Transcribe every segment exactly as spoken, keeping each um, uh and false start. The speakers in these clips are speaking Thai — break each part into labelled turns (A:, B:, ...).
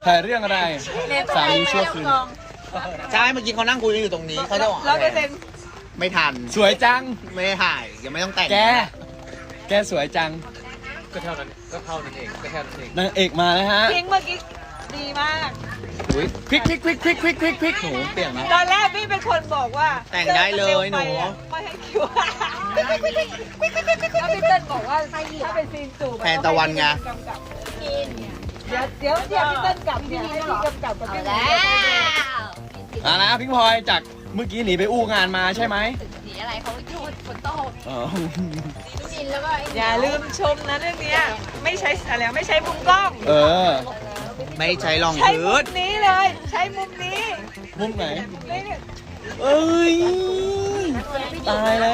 A: ถ่ายเรื่องอะไรสามีชั่วคืน
B: ใช่เมื่อกี้เขานั่งคุยกันอยู่ตรงนี้เขาจะบอก
C: ร้อยเปอร์เซ็นต์
B: ไม่ทัน
A: สวยจัง
B: ไม่ได้ถ่ายยังไม่ต้องแต่ง
A: แก แกสวยจัง
D: ก็เท่านั้นก็เท่านั้นเองก็แค่นั้นเอง
A: นางเอกมาแล้วฮะ
C: พิงเมื่อกี้ดีมาก
A: พลิกพลิกพลิกพลิกพลิกพลิกพลิกหนูเปลี่ยนไหม
C: ตอนแรกพี่เป็นคนบอกว่า
B: แต่งได้เลยหนู
C: ไม่ให้คิวแล้วพี่เต้นบอกว่าถ้าเป็นซีนจูบ
B: แทนตะวันไง
C: เดี๋ยวเดี๋ยวเดี๋ยวพี่เต้นกลับเนี่ยให้พี่กำกับกับพี่
E: แล้ว
A: อ่านะพิงพลอยจากเมื่อกี้หนีไปอู้งานมาใช่ไหม
E: สีอะไรเขาโยนฝนตก
A: อ๋อ
E: สีดินแล้วก็
C: อย่าลืมชมนะเรื่องเนี้ยไม่ใช้อะไรไม่ใช้มุมกล้อง
A: เออ
B: ไม่ใช้รอง
C: ใช้มุ
B: พื้น
C: มนี้เลย ใช้มุมนี้
A: มุมไหน
C: นี่เนี่ย
A: เอ้ย ตายแล้ว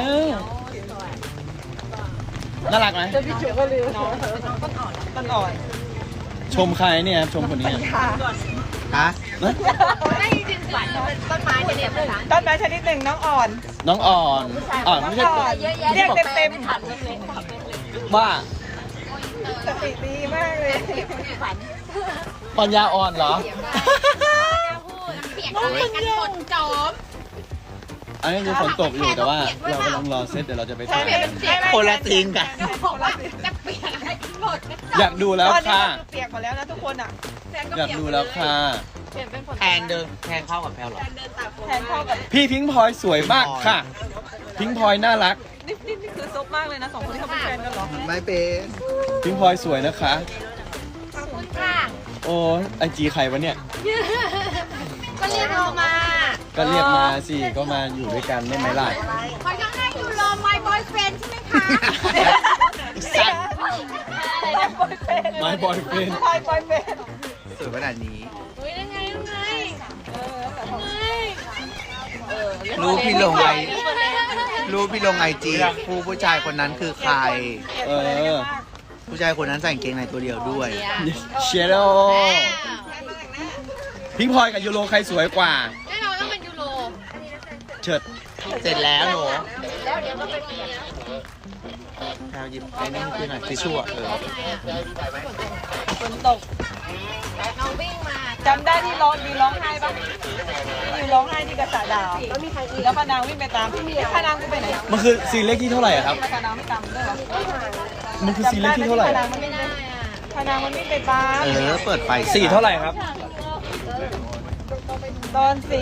A: น่ารักไหม
C: พี่จุ๋ก็ลืมน้องต้นอ่อน
A: ชมใครเนี่ย ชมคนนี้
C: ค่ะ
B: ฮะ
A: นะ
E: ไม่จริงฝันต้นไม้จะเนี่ยเป็นหลัง
C: ต้นไม้ชนิดหนึ่งน้องอ่อน
A: น้องอ่อน อ่อนไม่ใช่
C: น้องอ่อน
E: เยอะแยะ
C: เรียกเต็ม
E: ถัดเล็ก
A: ว่า
C: ๆสติดีมากเลย
E: ฝัน
A: ปัญญาอ่อนเหรอ
E: เปียกอะไรกันฝนจอม
A: อันนี้คือฝนตกอยู่แต่ว่าเรากำลังรอเซตเดี๋ยวเราจะไปถ่ายกัน
B: คนละทีมกัน
E: จะเปียกอะไรกันหมด
A: อยากดูแล้ว
C: ตอนนี้
A: ค่ะ
C: มันเปียกหมดแล้วนะทุกคนอ่ะ
A: อยากดูแล้วค่ะ
E: เปลี่ยนเป็นฝน
B: แทนเดินแทนเข้ากับแพลวเหรอ
C: แทนเข้ากับ
A: พี่พิงค์พลอยสวยมากค่ะ พิงค์พลอยน่ารัก
C: นี่นี่นี่คือซบมากเลยนะสองคนที่เขาเป็นแฟนกันเหรอ
B: ไม่เป็น
A: พิงค์พลอยสวยนะคะ
E: ขอบคุณค่ะ
A: โอ้ไอจีใครวะเนี่ย
E: ก็เรียกเรามา
A: ก็เรียกมาสิ ก็มาอยู่ด้วยกันได้ไหมล่ะ
E: คอยก็ให้ยูโร my boyfriend ใช่ไหมคะ
B: สัตว์
C: บอยเฟน
A: My boyfriend
C: บอยบอยเฟน
B: สวยขนาดนี้
E: เฮ้ยยังไงยังไงยังไง
B: รูปพี่ลงไอรูปพี่ลงไอจีผู้ผู้ชายคนนั้นคือใคร
A: เออ
B: ผู้ชายคนนั้นใส่กางเกงในตัวเดียวด้วย
A: เชโร่พิงค์พลอยกับยูโรใครสวยกว่า
E: แน่นอนต้องเป็นยูโร
A: เฉิด
B: เสร็จแล้วหนู
E: แล้วเดี๋ยวก็เป็นเมีย
B: แพลวหยิบไอ้นี่ขึ้นหน่อยทิชชู่อะเออ
C: ฝนตก
E: น้องวิ่งมา
C: จำได้ที่ร้องดีร้องไห้ปะที่อยู่ร้องไห้ที่กระสาดาวแล้วมีใครอีกแล้วพานางวิ่งไปตามพี่พานางกูไปไหน
A: มันคือซีนเลขที่เท่าไหร่อะครับ
C: พานางไม่ตามด้วยเหรอ
A: มันคือซีนเลขที่เท่าไหร่
C: พานางมันวิ่งไปพานางมันวิ่งไปตาม
B: เออ เปิดไฟ
A: สี่เท่าไหร่ครับ
C: ตอนสี่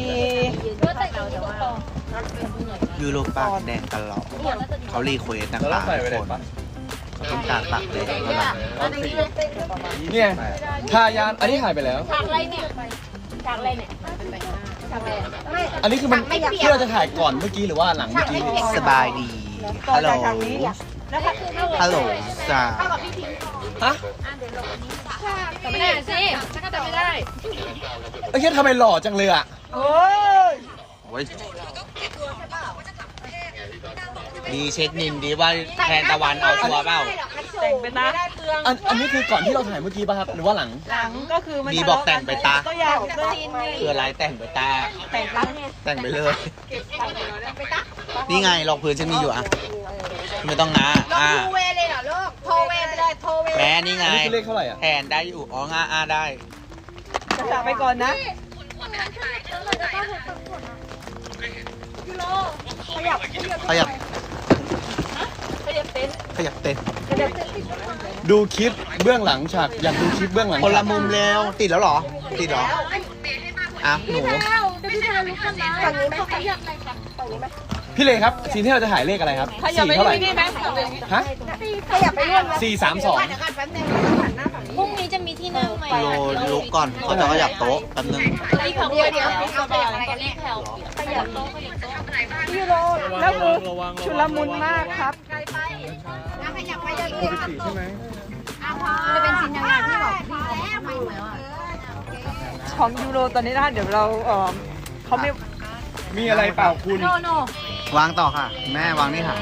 B: ยูโรปากแดงตลอดเขารีเควสนะคะทุกคนเขาต้องการปากแดงเท่านั้น
A: เนี่ยทายานอันนี้ถ่ายไปแล้ว
E: ฉากอะไรเนี่ยฉากอะไรเนี่ยฉากอะไรไม่
A: อันนี้คือมันที่เราจะถ่ายก่อนเมื่อกี้หรือว่าหลังเมื่อกี้
B: สบายดี
C: ต่อ
B: ฮัลโหล
C: จากทางนี้แล้วค่ะ
B: ฮัลโหลจ้า
A: ฮะ
E: แต่ไม่ได้สิฉันก็จำไม่ได้
A: ไอ้แค่ทำไมหล่อจังเลยอะ
C: โอ้ย
B: โอ้ยดีเช็คนินดีว่าแทนตะวันเอาชัวร์เปล่า
C: แต่งไปนะ
A: อันอันนี้คือก่อนที่เราถ่ายเมื่อกี้ป่ะครับหรือว่าหลัง
C: หลังก็คือมัน
B: มีบอกแต่งไปตา
C: ก็อยากด้วย
B: คืออะไรแต่งไปตา
C: แต่งรัก
B: แต่งไปเลย นี่ไงรองพื้นฉันมีอยู่อ่ะ ไม่ต้องนะอ่า
E: โทเวเลยเหรอลูกโทเวไปเลยโทเว
B: แม่นี่ไง
A: อันนี้คือเลขเท่าไหร่อะ
B: แทนได้อยู่ อ๋องาอาได้
C: จะจากไปก่อนนะ
B: ขยับ ขยับเต้น
A: ดูคลิปเบื้องหลังฉากอยากดูคลิปเบื้องหลัง
B: คนละ
A: ฉาก
B: มุมแล้ว ติดแล้วเหรอ ติดเหรอ อ่ะ หนู
A: พี่เลครับซีนที่เราจะถ่ายเลขอะไรครับ
C: ขยับ
A: สี่
C: ไป
A: เท่าไหร่
C: นี่พี่ไหม
A: ฮะ
E: ขยับไปนู่น
A: สี่สามสอง
E: พรุ่งนี้จะมีที่นั่งไหม
B: โลลุกก่อนเขาจะขยับโต๊ะแป๊บนึง
E: เดี๋ยวเดี๋ยวเอาไปอะไรกันเนี่ยแถวขยับโต๊ะขยับโต๊ะ
C: พี่โรแล้วคือชุลมุนมากครับ
E: ขยับไปเรื่อย
A: สี่ใช่ไหม
E: ๆจะเป็นสินยังไงที่บอกพี่แล้วไม่เหมือนอ่ะ
C: ของยูโรตอนนี้นะเดี๋ยวเราเออเขาไม่
A: มีอะไรเปล่าคุณ
E: โนโน
B: วางต่อค่ะ แม่วางนี่ค่ะ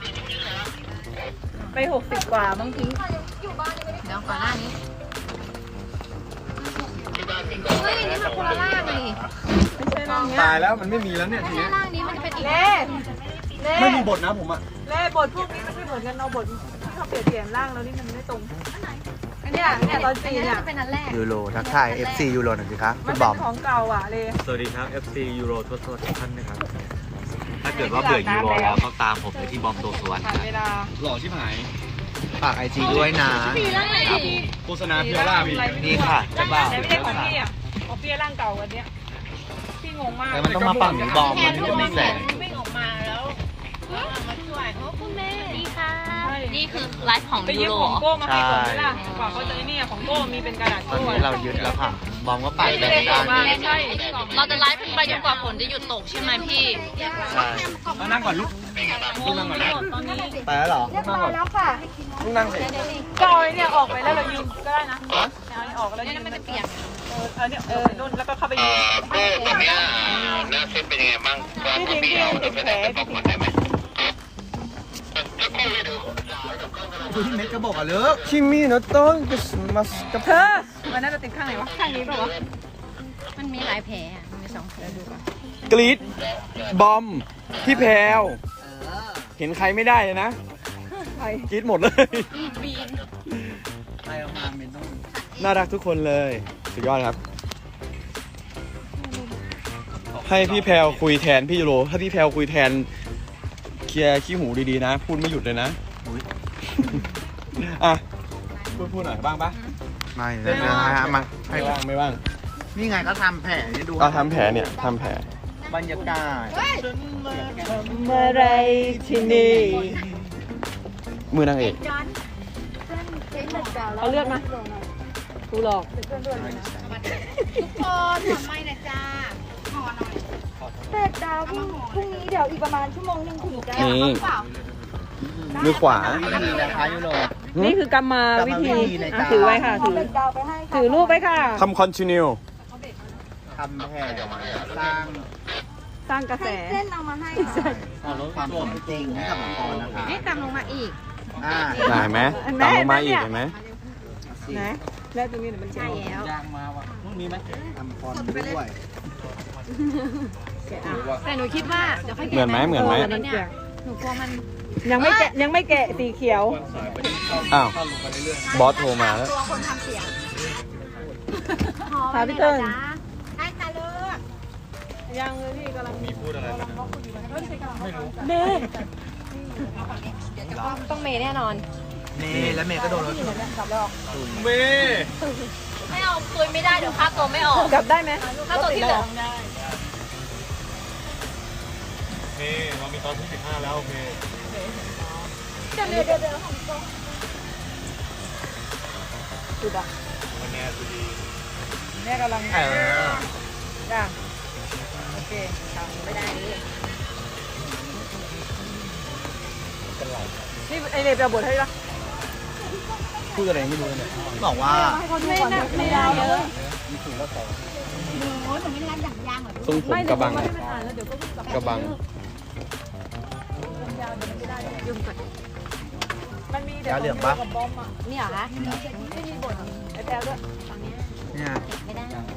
C: ไปหกสิบกว่าบางที
E: เดี๋ยวก่อนหน้านี้เฮ้ยนี่มันคนละล่างเลย
C: ไม่ใช่ร่างเนี้ย
A: ตายแล้วมันไม่มีแล้วเนี่ยที
E: ไม่
A: นี้
E: ใช่ล่างนี้มันจะเป็นอีก
C: เล่เล่
A: ไม่มีบทนะผมอะ
C: เล่บทพวกนี้มันไม่เหมือนกันเราบทที่เขาเปลี่ยนเปลี่ยนร่างแล้วนี่มันไม่ตรง
E: อัน
C: เนี่ยเนี่ยตอนจีนเนี่ย
E: เป็นอันแรก
B: ยูโรทักทาย เอฟ ซี ยูโรหน่อยสิคะ
C: มั
B: คุ
C: น
B: ณบ
C: เป็
B: อน ม
C: ของเก่าอ่ะเลย
D: สวัสดีครับ เอฟ ซี ยูโรทั่วๆทุกท่านนะครับ ถ้าเกิดว่าเบื่อยูโรแล้วก็ตามผมเลยที่บอมโตสวน
C: ผ่าน
D: นะ
C: เวลา
A: หล่อชิบหาย
B: ฝากไอจีด้วยนะ
A: โฆษณาเพียวล่าพี่
B: นี่ค่ะเจะบ่าว
C: แต่ไม่ใช่ของพี่อ่ะของพี่ร่างเก่ากันเนี้ยพี่งงมาก
B: แต่มันต้องมาฝั่งนี้บอมมันถึงจะมีแสง
E: วิ่งออกมาแล้วมาช่วยโอ้คุณแม่ดีค่ะนี่คือไลฟ์ของ
C: ไป
E: ยู
C: ยืม
E: โร
C: ของโก้มาให้ผมไหมล่ะกว่าเขาจะไอ้นี่ของโก้มีเป็นกระดาษ
B: ตอน
C: โก้
B: นี้เรายึดแล้วค่ะ บอมก็ปัด
C: ไม่
B: แด
C: ได้
B: ง
C: บอกว่า
B: ได้
C: ไม่ใช่
E: เราจะไลฟ์ไปจนกว่าฝนจะหยุดตกใช่ไหมพี่
B: ใช่
A: มานั่งก่อนลูกลูกนั่งก่อนนะ
C: ตอนนี้
B: ไปแล้วเหรอ
A: ลูกนั่งก่อนลูกนั่งสิ
C: ก็เอาไอ้เนี่ยออกไปแล้วเรายืมก็ได้นะเอาไอ้ออกแล้วยืมมันจะเปียกเออเอาเนี่ยเออนุ่นแล้วก็เข้าไปยืม
F: วันนี้หน้าเส้นเป็นยังไงบ้างว่า
C: พี่
F: พี่
C: ทิ้ง
F: เอา
C: พี่
F: เดี๋ยวไป
C: แผล
F: ไหนไป
C: พี่
F: บอก
C: ทิ้ง
F: ก่อนได้ไหม
B: คุณเม็ดก็บอกอ่ะเลิก
A: คิมิโนโตะกุสมัสกับ
C: เธอมันน่าจะติดข้างไหนวะข้างนี้ป่าวะ
E: มันมีหลายแผลอะมีสองแผลดูก่อน
A: กรีดบอมพี่แพรวเห็นใครไม่ได้เลยนะ
C: ใคร
A: กรีดหมดเลย
E: บีน
B: ไปออกมาเมนต้อง
A: น่ารักทุกคนเลยสุดยอดครับ ให้พี่แพรวคุยแทนพี่ยูโรถ้าพี่แพรวคุยแทนเคลียร์ขี้หูดีๆนะ พูดไม่หยุดเลยนะ
B: อุ๊ย
A: อ่ะพูดพูดหน่อยบ้างปะ
B: ไม่เลยนะฮะมาให้
A: ไม่บ้างไม่บ้าง
B: นี่ไงก็ทำแผลนี่ดู
A: ก็ทำแผลเนี่ยทำแผล
B: บรรยากาศ
C: เมื่อไรที่นี่
A: มือนางเอก
C: เอาเลือดมากูหลอก
E: ทุกคนขอไม่นะจ้าขอหน่อย
G: เสร็จดาวพรุ่งพรุ่งนี้เดี๋ยวอีกประมาณชั่วโมงหนึงถึงจะ
A: นี่มือขวา
B: นี่นะคะยูโร
C: นี่คือกรรมาวิธี
B: กรรมวิธีในการ
C: อ่ะถือไว้ค่ะ
G: เอา
C: ถือ
G: เสร็จดาวไปให้ค่ะ
C: ถือรูปไว้ค่ะ
A: ทำคอนติเนีย
B: ทำแผลสร้าง
C: สร้างกระแส
G: ให้เส้นเอามาให้ค่ะ
B: ความสมจริงให้กับมังกรนะคะ
E: นี่ตามลงมาอีก
B: อ่า
A: ได้ไหมตามลงมาอีกเห็นไหม
C: ไหนแล้วตรงนี้เดี๋ยวมันจะ
E: ใช่แล้ว
B: ทำฟอนต์ด้วย
E: แต่หนูคิดว่าเดี๋ยวค่อย
A: เหมือนไหมเหมือนไหม
C: มัน
E: เนี่
C: เปีย
E: ย
C: ก
E: หนูกลัวมัน
C: ยังไม่แกะยังไม่แกะสีเขียว
A: อ้าวบอสโทรมาแล้ว
E: ตัวคนทำเสียง
C: พาพี่เติ้ล
E: ได้จ้าเลิก
C: ยังเลยพี่กำลังมีพูดอะไรกันไม่รู้เม
E: ต้องเมย์แน่นอน
B: เมย์และเมย์ก็โดนรถชน
A: เม
E: ไม่เอาคุยไม่ได้เดี๋ยวค่าตัวไม่ออก
C: กลับได้ไหม
E: ค่าตัวที่เหลือ
D: โอเคเรามีตอนที่สิบห้าแล้วโอเค
G: เดี๋ยวเดี๋ยวเดี๋ยวของโต
C: จุดอ่ะ
D: วันนี้สุดี
C: แม่กำลัง
B: เออ
C: จ้าโอเคทำไม่ได้เลยนี่ไอเนยไปเอาบทให้ปะ
A: พูดอะไรไม่รู้เนี่ย
B: บอกว่า
C: ไม่น่าไม่ยาวเลย
A: ทรงผมกระบัง
C: ไม่ได้อ่านแล้วเดี๋ยวก็กลับ
A: กระบัง
C: มันมี
B: ยาเหลืองปะ
C: กับบอมอ่ะ
E: นี่เหรอคะ
C: ไม่มีบทไอแพลด้วย
B: เนี่ย
E: ไม่ได้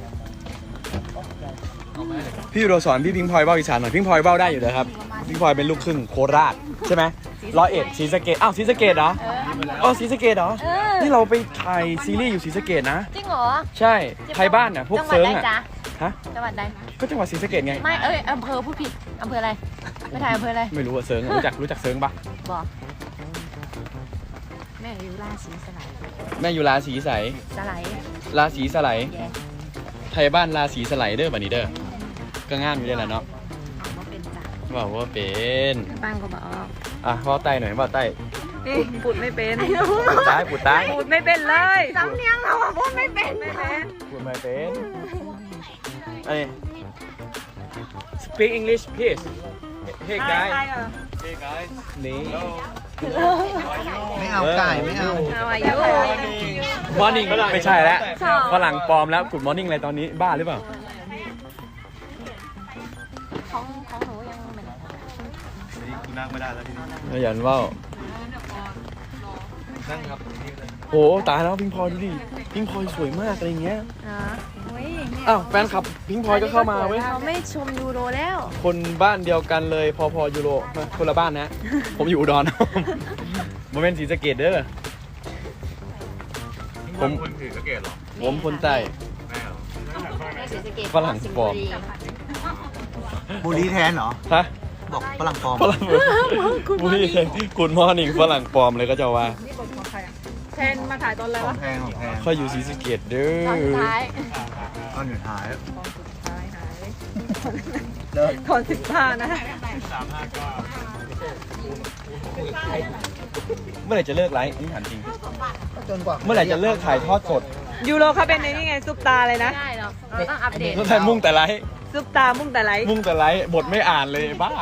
A: พี่ยูโรสอนพี่พิงพลอยเบ้าอีสานหน่อยพิงพลอยเบ้าได้อยู่เลยครับพิงพลอยเป็นลูกครึ่งโคราชใช่ไหมร้อยเอ็ดศรีสะเกดอ้าวศรีสะเกดเหรออ๋อศรีสะเกดเหรอนี่เราไปถ่ายซีรีส์อยู่ศรีสะเกดนะ
E: จริงเหรอ
A: ใช่ไทยบ้านน่ะพวก
E: จังหวัด
A: เซิร์ง
E: ใด
A: อ่ะ
E: จ๊ะ
A: ฮะ
E: จังหวัดใด
A: ก็จังหวัดศรีสะเกดไง
E: ไม่เอ้ยอำเภอผู้ผิดอำเภออะไรไม่ถ่ายอำเภออะไร
A: ไม่รู้ว่าเซิร์งอะรู้จักรู้จักเซิร์งปะ
E: บอกแม่อยู่ราศีสไลด์
A: แม่อยู่ราศีใส
E: สไลด์
A: ราศีสไลด์
E: แย่
A: ไทยบ้านราศีสไลเดอร์บันนี้เด้อก็ง่ามอยู่ได้แหละเนาะ
E: เอาว่าเป็นจ้ะ
A: บอกว่าเป็น
E: ปังก็บอก
A: อ่ะว่าใต้หน่อยว่าใต้
C: นี่พูดไม่เป็น
A: ปูดใต้ปูดใต้
C: พูดไม่เป็นเลย
E: สำเนียงเราอะพูดไม่เป็น
C: ไม่เป็น
A: พูดไม่เป็นไอ้ speak English please hey
C: ใช่
A: guys
C: ใช่เหรอ
D: Hey guys
A: นี่
B: ไม่เอาไก่ไม่เอา
C: เอาอายุ
A: morning ไม่ใช่แล้วฝรั่งปลอมแล้ว good morning อะไรตอนนี้บ้าหรือเปล่า
E: ของของหนูยังเหมือน
D: นี่กูนั่งไม่ได้แล้วทีนี้
A: ขยันว่าว
D: นั่งครับนี่เลย
A: โหตายแล้วพิงพลอยดูดิพิงพลอยสวยมากอะไรเงี้ย
E: อ๋ออุ้ย
A: อ้าวแฟนคลับพิงพลอยก็เข้ามาเว้ย
E: เราไม่ชมยูโรแล้ว
A: คนบ้านเดียวกันเลยพอพอยูโรมาคนละบ้านนะ ผมอยู่อุดร โมเมนต์ศรีสะเกดเด้อ
D: พ
A: ผม
D: คนถือสเกตหรอ
A: ผมคนใต้
D: แม่หรอ
A: ฝรั่งปลอม
B: บุรีแทนเหรอ
A: ฮะ
B: บอกฝรั่งปลอม
A: ฝรั่งบุรีกุดมอร์นิ่งฝรั่งปลอมเลยก็จะว่า
C: นี่บทของใครอ่ะแทนมาถ่ายตอนอะไร
B: ขอ
C: วะ
B: งแพงของแพง
A: ค่อยอยู่ศรีสะเกษเด้อ
B: ตอนอยู่ท้าย
C: ตอนสุดท้ายหายตอนสิบห้านะ
A: เมื่อไหร่จะเลิกไลฟ์นี่ถามจริง
B: จนกว่า
A: เมื่อไหร่จะเลิกถ่ายทอดสด
C: ยูโรเขาเป็นในนี่ไงซุปตาเลยนะ
E: ได้หรอกเราต้องอัปเดต
A: แล้วถ่ายมุ่งแต่ไลฟ์
C: ซุปตามุ่งแต่ไลฟ์
A: มุ่งแต่ไลฟ์บทไม่อ่านเลยบ้า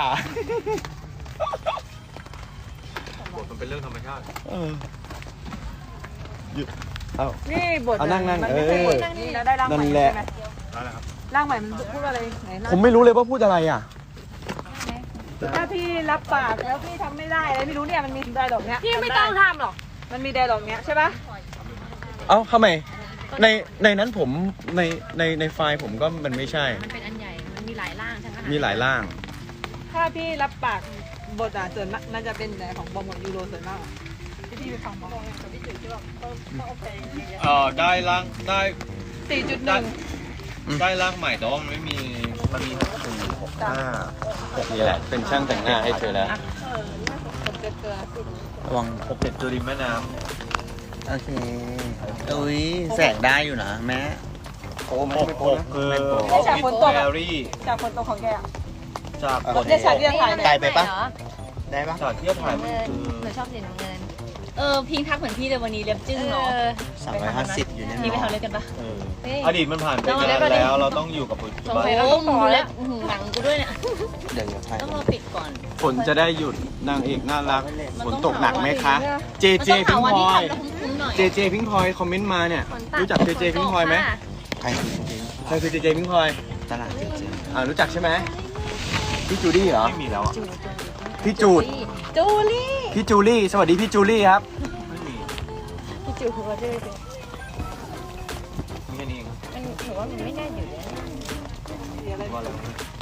D: บทมันเป็นเรื่องธรรมชาติ
A: เออหยุดเอ้า
C: นี่บท
A: เอานั่งนั่ง
C: มัไม่ใช่
A: เออ
C: บทนี่แล้วได้ร่างใหม่
A: นั่นแหละ
C: ใช่ไหม
D: ได้แล้วครับ
C: ร่างใหม่มันพูดว่าอะไรไหนร่าง
A: ผมไม่รู้เลยว่าพูดอะไรอ่ะ
C: ถ้าพี่รับปากแล้วพี่ทำไม่ได้อะไรไม่รู้เนี่ยมันมีไดร์ล็อกเนี้ย
E: พี่ไม่ต้องทำหรอก
C: มันมีไดร์ล็อกเนี้ยใช่ปะ
A: เอ้าทำไมในในนั้นผมในในในไฟล์ผมก็มันไม่ใช่
E: มันเป็นอันใหญ่ มันมีหลายร่างทั้งนั้น
A: มีหลายร่าง
C: ถ้าพี่รับปากบทอ่ะส่วนมากมันจะเป็นแต่ของบอมกับยูโรส่วนมากอะที่พี่ไปฟังบอมกับพี่จุ๋ยที่แบบต้องต้องเอาเพลงอย่างเงี้ย
D: เออได้ร่างได้
C: สี่จุดหนึ่ง
D: ได้ร่างใหม่แต่ว่ามันไม่มีมันมีสี่หกห้า
A: นี่แหละ เป็นช่างแต่งหน้าให้เธอแล้ว
C: ผมเกลือเกลือ
B: ระวัง
D: หกเจ็ดตัวริมแม่น้
B: โอเคอุ้ยแสงได้อยู่นะแม่
A: โอ้
D: ำ
A: ไม่
D: หก
A: ไม่
D: ห
A: โป๊ะ
D: ก
A: นะ
D: คือ
C: ได้จากฝนตก
D: แอ
C: อะ
D: รี่
C: จากฝนตกของแกอะ
D: จากบท
C: เนี่ยฉากที่เราถ่ายเนี่ย
B: ไกลไปปะ ได้ปะ
D: จากที่ถ่ายมันคือ
E: หนูชอบสีน้ำเงิน เออ พิงทักเหมือนพี่เลยวันนี้เล็บจึ้งเนาะ
B: สามร้อยห้าสิบอยู่เนี่ย
E: พี่ไปทำเล็บกันปะ
D: เออ
E: เฮ้ย
D: อดีตมันผ่านไป
E: เรา
D: นาน
E: เล็บเราดิ
D: แล้วเราต้องอยู่กับปัจจุ
E: สง
D: บัน
E: สัยเราต้องต่อเล็บอื้อหือหนังกูด้วยเนี่ย
B: เดี๋ยวเดี๋ยวถ่าย
E: ต้องรอปิดก่อน
A: ฝนจะได้หยุดนางเอกน่ารัก
E: มัน
A: ฝน
E: ต้อง
A: ตกหนักไหมคะ เจ
E: มัน
A: เจ
E: ต้อง
A: พิ
E: หาง วัน
A: พล
E: ที่
A: อย
E: ทำแล้วคุ้มๆหน่อย
A: เจเจพิงพลอยคอมเมนต์มาเนี่ย
E: ฝนตัด
A: รู้จักเจเจพิงพลอยไหม
B: ใครจริง
A: ใครคือเจเจพิงพลอย
B: ๆตลาดจริง
A: อ่ารู้จักใช่ไหมพี่จูดี้เหรอ
D: ไม่มีแล้วอ่ะ
A: พี่จูด
E: จูลี่
A: พี่จูลี่ สวัสดีพี่จูลี่ครับ
D: ไม่มี
E: พี่จูหัวด้วย
D: มีแค่นี้เอง
E: มันถือว่ามันไม่น่าอยู่เลย
D: ว่าอะไร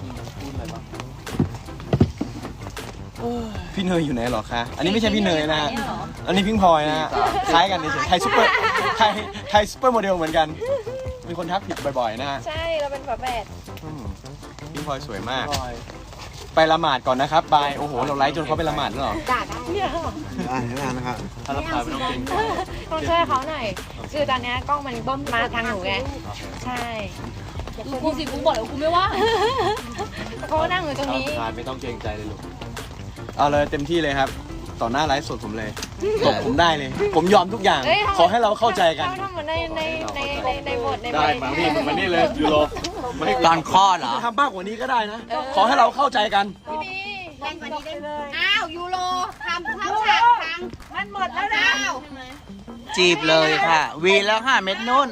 A: พี่เนยอยู่ไหนเหรอคะ อันนี้ไม่ใช่พี่เนยนะฮะ อันนี้พิงพลอยนะฮะ คล้ายกันเฉยๆไทยซุปเปอร์ ไทย ไทยซุปเปอร์โมเดลเหมือนกัน มีคนทักผิดบ่อยๆนะฮะ
E: ใช่ เราเป็นฝาแฝด
A: อืมพิงพลอยสวยมาก ไปละหมาดก่อนนะครับบาย โอ้โห เราไลฟ์จนเขาไปละหมาดแล้วเหรอ
E: ด่าได้เนี่ย
B: ๆอ่านให้นานนะครับ
D: ถ้ารับสายไม่ต้องเกรงใจ
E: ต้องช่วยเขาหน่อย คือตอนเนี้ยกล้องมันบ้มมาทางหนูไง ใช่กูสิกูบอกแล้วกูไม่ว่าเขานั่งอยู่ตรงนี้
A: ทานไม่ต้องเกรงใจเลยลูก เอาเลยเต็มที่เลยครับ ต่อหน้าไลฟ์สดผมเลยตบผมได้เลย ผมยอมทุกอย่าง
E: เอ้ย
A: ขอให้เราเข้าใจกัน
E: เราทำเหมือนในในในในในบทใน
A: ได้มาพี่มึงมานี่เลยยูโรมานี่
B: ตอนคลอดเหรอ
A: ทำมากกว่านี้ก็ได้นะ ขอให้เราเข้าใจกัน
E: แรงกว่านี้ได้เลย
C: อ้าวยูโรทำเข้าฉากพังมันหมดแล้วนะ
B: จีบเลยค่ะ วีแล้วค่ะเม็ดนุ่น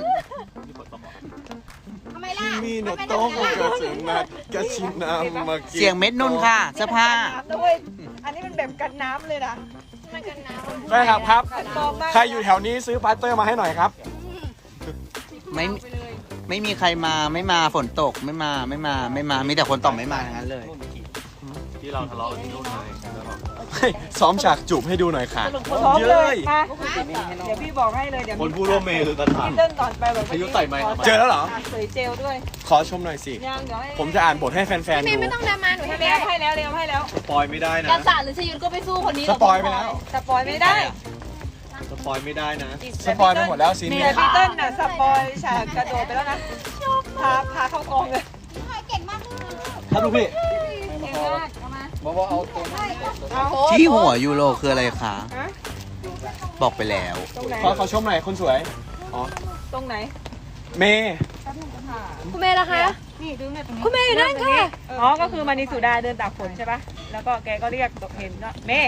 A: มีโนโต้ของกระสุนนัดกระชินน้ำมากิน
B: เสียงเม็ดนุ่นค่ะเสื้อผ้า
C: น้ำด้วยอันนี้มันแบบกันน้ำเลยนะ
E: มันกันน้ำ
A: ได้ครับครับ
C: กันมองมาก
A: ใครอยู่แถวนี้ซื้อพลาสเตอร์มาให้หน่อยครับ
B: ไม่ไม่มีใครมาไม่มาฝนตกไม่มาไม่มาไม่มามีแต่คนตอบไม่มาทั้งนั้นเลย
D: ที่เราทะเลาะกันที่นู่นเลยแล้วเรา
A: เฮ้ยซ้อมฉากจูบให้ดูหน่อยค่ะ
C: พร้อมเลยมาเดี๋ยวพี่บอกให้เลยเดี๋ยว
D: คนผู้ร่วมเมย์คือกันถาม
C: พี่เต้นก่อนไปแบบ
D: อายุไต่ไมค์
A: เจอแล้วเหรอ
C: สวยเจลด้วย
A: ขอชมหน่อยสิ
C: ยังเดี๋ยวให้
A: ผมจะอ่านบทให้แฟนๆ
E: พี่
A: ดู
E: ไม่ต้องดรามาหนู
C: ให้
E: ให้
C: แล้
E: แล้ว ว
C: ให้แล้วเร็วให้แล้ว
D: สปอยไม่ได้นะ
E: กษัตริย์หรือชยุทธก็ไปสู้คนนี้
A: สปอยไปแล้ว
C: สปอยไม่ได้
D: สปอยไม่ได้นะ
A: สปอยไปหมดแล้วซีน
C: แต่
A: นี้
C: พี่เต้นน่ะสปอยฉากกระโดดไปแล้วนะพาพาเข้ากองเลย
A: ครับลูกพี่
C: เก่งมากเอามา
A: บอกว่าเอาตัว
C: เอา
B: ที่หัวยูโรคืออะไรคะ
C: ฮะ
B: บอกไปแล้ว
C: ตรงไหน
A: ขอขอชมหน่อยคนสวย อ๋อ
C: ตรงไหน
A: เมย์
E: คุณเมย์ล่ะคะ
C: นี่ดึงเนี่ยตรงนี้
E: คุณเมย์อยู่นั่นค่ะ
C: อ๋อก็คือมานิสุดาเดินตากฝนใช่ปะแล้วก็แกก็เรียกตกเห็นว่าเมย์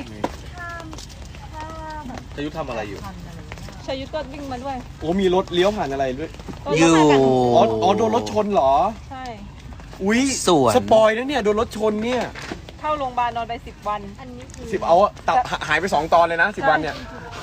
D: ชยุทธทำอะไรอยู่
C: ชายุทธก็วิ่งมาด้วย
A: โอ้มีรถเลี้ยวผ่านอะไรด้วย
B: อยู่
A: อ๋ออ๋อโดนรถชนเหรอ
C: ใช่
A: อุ้ย
B: สวน
A: สปอยนะเนี่ยโดนรถชนเนี่ย
C: เข้าโรงพยาบาลนอนไปสิบวัน
A: สิบเอาอะตับหหายไปสองตอนเลยนะสิบวันเนี่ย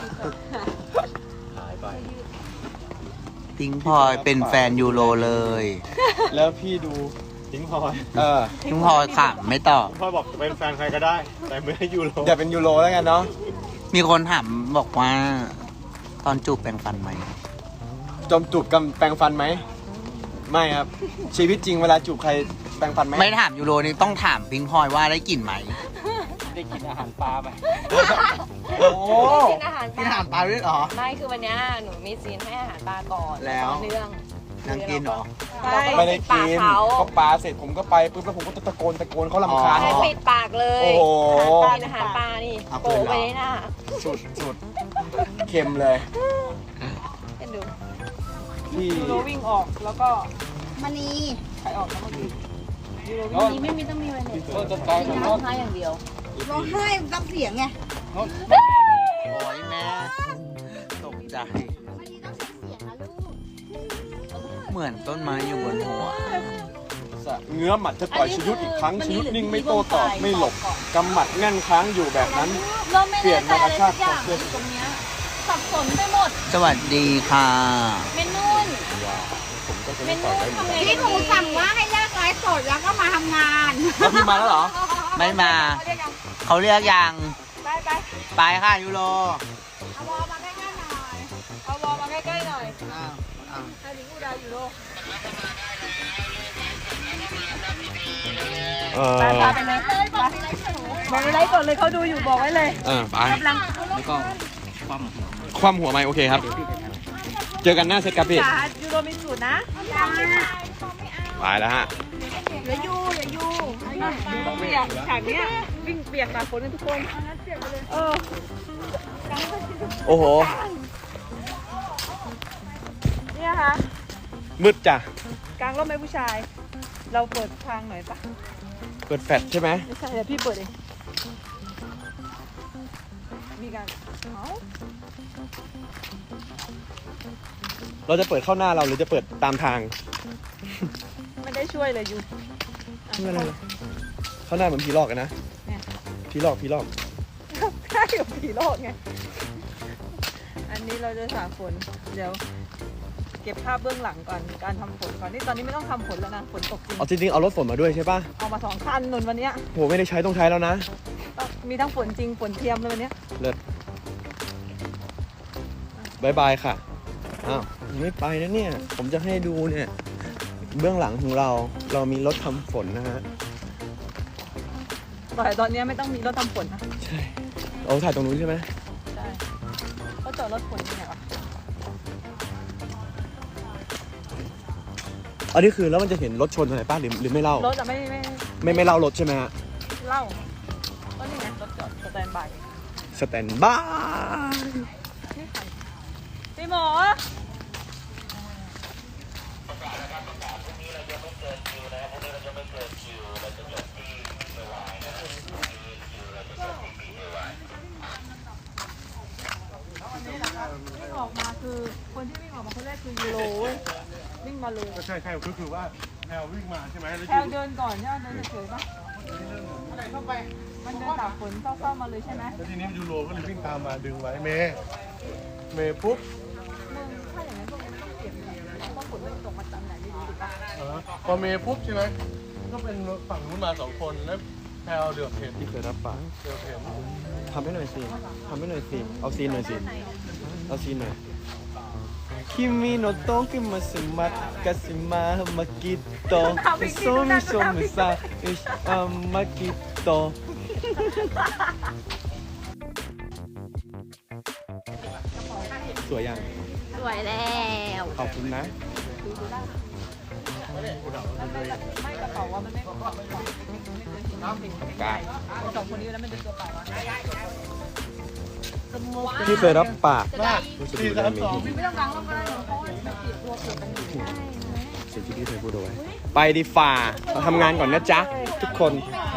D: หายไป
B: พิงพลอยเป็นแฟนยูโรเลย
A: แล้วพี่ดู
D: ทิ้งพลอย
A: เออ
B: พิงพลอยค่ะไม่ตอบ
D: พลอยบอกจะเป็นแฟนใครก็ได้ แต่ไม่ให้ยูโร
A: อย่าเป็นยูโรแล้วกันเนาะ
B: มีคนถามบอกว่า ตอนจูบแปรงฟันไหม
A: จอมจูบกันแปรงฟันไหมไม่ครับ ชีวิตจริงเวลาจูบใครแปรงฟันไหม
B: ไม่ถามยูโรนี่ต้องถามพิงพลอยว่าได้กลิ่นไหม
A: ได้กินอาหารปลาไป
B: โอ้
E: กินอาหาร
B: กินอาหารปลาด้วยเหรอ
E: ไม่คือวันเนี้ยหนูมีซีนให้อาหารปลาก่อน
B: แล้ว
E: ต่อเนื่อง
B: นางกินเหรอ
E: ใช่
A: ไม่ได้กิน
E: ปลาเขา
A: ก็ปลาเสร็จผมก็ไปปุ๊บแล้วผมก็ตะโกนตะโกนเขาลำคาญ
E: ให้
B: อ๋อ
E: ปิดปากเลย
A: โอ้โห
E: กินอาหารปลานี่
B: เอา
E: โปะ
B: ปืนเหรอ
E: ไว้ในหน้า
A: สุดสุดเค็มเลย
E: เห็นดู
A: ที่
C: ยูโรวิ่งออกแล้วก็
G: มณี
C: ใครออกนะเมื่อกี้ยูโร
A: แล้ว
E: นี่ไม่มีต้องมีอะไรเลย
A: ก็จะกลายเป็น
E: ร้องไห้อย่างเดียว
G: ร้องไห้ต้องเสียงไง
B: โอ้ยแม่ตกใจ
G: มณีต้องใช้เสียงนะลูก
B: เหมือนต้นไม้อยู่บนหัว
A: เงื้อหมัดจะต่อยชยุทธอีกครั้งชยุทธนิ่งไม่โต้ตอบไม่หลบกำหมัดแน่นค้างอยู่แบบนั้น
E: เราไม่
A: เปลี่ยนมากระชาก
E: อ
A: คอย่าง
E: อ
A: เสื้อ
E: ยู่ตรงเนี้ยสับสนไปหมด
B: สวัสดีค่ะ
E: เมนุ่น
A: ผมก็จะ
E: เม
A: ไม่ต่
E: นุ่
A: อย
E: น
A: ได้เหมือน
E: ทำไง
A: กัน
G: ที่หนูสั่งว่าให้เลิกไลฟ์สดแล้วก็มาทำงาน
A: แล้วพี่มาแล้วเหรอ
B: ไม่มา เขาเรียกยัง
C: ไปไป
B: ไปค่ะยูโร
C: เอาวอลมาใกล้ๆหน่อยเอาวอลมาใกล้ๆหน่อย
B: อ้าวอ้าว
C: ให้ลิงอุดายูโร
A: เออ
C: ไปพาไปเลยบอกในไลฟ์สดเลยเขาดูอยู่บอกไว้เลย
A: เออไป
C: กำลัง
A: คว่ำหัวไหมโอเคครับ เจอกันหน้าเซตครับพี่
C: จ๋ายูโรมีสูตรนะ
A: ไปแล้วฮะ
C: อย่ายูอย่ายูต้องเปียกฉากเนี้ยวิ่งเปียกตากฝนกันทุกคนเออ
A: โอ้โห
C: เนี่ยค่ะ
A: มืดจ้ะ
C: กลางร่มไหมผู้ชาย เราเปิดทางหน่อยปะ
A: เปิดแฟลชใช่ไหม
C: ไม่ใช่เดี๋ยวพี่เปิดเองมีการเอ้า
A: เราจะเปิดเข้าหน้าเราหรือจะเปิดตามทาง
C: ไม่ได้ช่วยเลยยู
A: ไม่เป็นไรเลยเข้าหน้าเหมือนผีหลอกกันนะ
C: เนี่ย
A: ผีหลอกผีหลอก
C: ใช่กับผีโลกไง อันนี้เราจะสาฝน เดี๋ยว เก็บภาพเบื้องหลังก่อนการทำฝนก่อนนี่ตอนนี้ไม่ต้องทำฝนแล้วนะฝนตกจริง
A: เอาจริงๆเอารถฝนมาด้วยใช่ป่ะ
C: เอามาสองคันนนวันเนี้ย
A: โหไม่ได้ใช้ต้องใช้แล้วนะ
C: ต้องมีทั้งฝนจริงฝนเทียมเลยวันเนี้ย
A: เลิศบายบายค่ะ อ้าวยังไม่ไปนะเนี่ย ผมจะให้ดูเนี่ย เบื้องหลังของเรา เรามีรถทำฝนนะฮะ
C: แต่ตอนเนี้ยไม่ต้องมีรถทำฝนนะ
A: ใช่ เอาถ่ายตรงนู้นใช่ไหม
C: ใช่เขาจอดรถฝนยังไงวะ
A: อันนี้คือแล้วมันจะเห็นรถชนอะไรป้ะหรือหรือไม่เล่าร
C: ถอะไม่ไม่
A: ไม่ไม่เล่ารถใช่ไหมฮะ
C: เล่าก็นี่ไงรถจอดสแตนบาย
A: สแตนบาย
C: นี่ใครพี่หมอวิ่งออกมาคือคนที่วิ่งออกมาคนแรกคือยูโรเว้ยวิ่งมาเลย
H: ใช่ใช่ก็คือว่าแพลววิ่งมาใช่ไหมแล้ว
C: แพลวเดินก่อนใช่ไหมเดินเฉยๆปะอะไรเข้าไปมันเดินตากฝนเศร้าๆมาเลยใช่ไหม
H: แล้วทีนี้ยูโรก็เลยวิ่งตามมาดึงไว้เมย์เมย์ปุ๊บ
C: มึงถ้าอย่างนั้นพวกนี้ไม่ต้องเก็บเลยต้องฝนมันตกมาจากไหนไม่รู้ถูกปะ
H: เออพอเมย์ปุ๊บใช่ไหมก็เป็นฝั่งนู้นมาสองคนแล้วแพลวเดือบเห็น
A: ที่เคยรับปาก
H: เดือบเห็น
A: ทำให้หน่อยสิทำให้หน่อยสิ เอาซีนหน่อยสิ เอาซีนหน่อยคิมิโนโตะกิมาสมัตกาซิมามากิโตะโซมิโซมิซาอิชอามากิโตะสวยยัง
E: สวยแล้ว
A: ขอบคุณนะ
C: ไม่กระเป๋าว่ามันไม่ไม่เคยเห็น
A: กา
C: สองคนนี้แล้วมันเป็นตัวเปล่าวะ
A: ที่เคยรับปากรู้สึก
H: สี่
A: ดู
H: สา
A: ได้
H: ม
A: ไหม
H: สอง
C: ไม่ต้องล้างรถก็ได้หรอกเพราะว่ามันติดตัวเปลือกกันอยู่
A: สิ่งที่พี่เคยพูดเอาไว้ ไปดีฝ่าเราทำงานก่อนนะจ๊ะ ทุกคน
C: ไ